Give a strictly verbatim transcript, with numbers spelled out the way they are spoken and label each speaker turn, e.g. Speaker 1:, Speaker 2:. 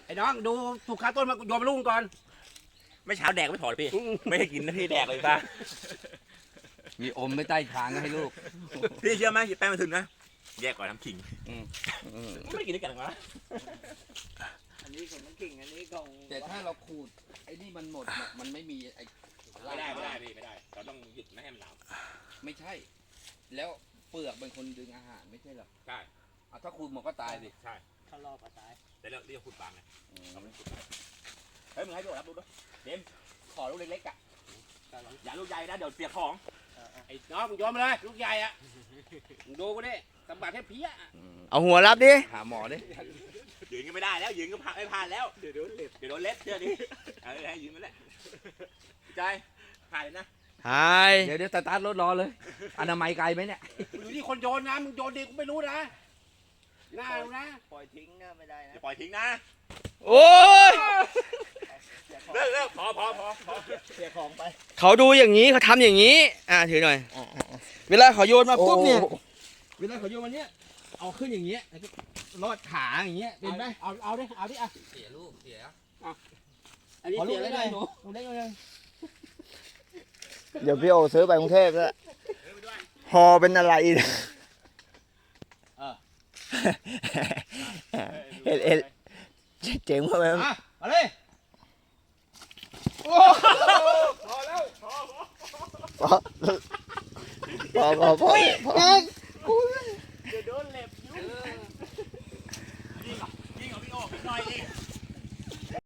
Speaker 1: ไอ้น้องดูถูกขาต้นมาโยนมาลูกก่อนไม่เช้าแดกไม่ถอดพี่ไม่ให้กินนะพี่แดกเลยป้า
Speaker 2: มีอมไม่ใต้คางให้ลูก
Speaker 1: พี่เชื่อไหมแป้งมันถึงนะแยกก่อนน้ำขิงไม่ได้กินด้วยกันหรอ
Speaker 3: อันนี้ของน้ำขิงอันนี้ของ
Speaker 2: แต่ถ้าเราขูดไอ้นี่มันหมดมันไม่มีไอ้
Speaker 1: ไม่ได้ไม่ได้พี่ไม่ได้เราต้องหยุดไม่ให้มันหนาว
Speaker 2: ไม่ใช่แล้วเปลือกเป็นคนดึงอาหารไม่ใช่หรอ
Speaker 1: ใช่
Speaker 2: ถ้าขูดหมดก็ตายสิ
Speaker 1: ใช่
Speaker 3: เขารอปลาตาย
Speaker 1: แต่เราเรียกขูดปางไงเฮ้ยมึงให้ดูรับดูด้วยเดมขอลูกเล็กๆอ่ะอย่าลูกใหญ่นะเดี๋ยวเปียกของไอ้น้องมึงโยนมาเลยลูกใหญ่อ่ะมึงดูกูดิสมบัติแค่เพี้ย
Speaker 4: เอาหัวรับดิ
Speaker 2: หาหมอดิ
Speaker 1: ยืนก็ไม่ได้แล้วยืนก็ผ่านไม่ผ่านแล้วเดี๋ยวโดนเล็บเดี๋ยวโดนเล็บเชื่อดิเออให้ยืนมาแหละใจผ่านเลยนะ
Speaker 4: หาย
Speaker 2: เดี๋ยวเดี๋ยวสตาร์ทรถรอเลยอนามัยไกลไหมเนี่ย
Speaker 1: อยู่ที่คนโยนนะมึงโยนดีกูไม่รู้นะน่าดูนะ
Speaker 3: ปล่อยทิ้งนะไม่ได้นะ
Speaker 1: ปล่อยทิ้งนะ
Speaker 4: โอ้ย
Speaker 1: เลิกเลิกพอพอพอพอ
Speaker 3: เสียของไป
Speaker 4: เขาดูอย่างนี้เขาทำอย่างนี้อ่าถือหน่อยเวลาเขาโยนมาปุ๊บเนี่ยเวลาเขาโยนมาเนี้ยเอาขึ้นอย่างเงี้ยลอดขาอย่างเงี้ยเป็นไหม
Speaker 1: เอาเอาดิเอาดิอ่ะ
Speaker 2: เสียลูกเสีย
Speaker 1: อันนี้เสียอะไรหนูหนูเล็กเลย
Speaker 4: เดี๋ยวพี่โอซื้อไปกรุงเทพแล้วฮอเป็นอะไรเอ็ดเอ็ดเจ๋งมากเลย
Speaker 1: มาเลยพอแล้วพอพอ
Speaker 4: พอพอพอ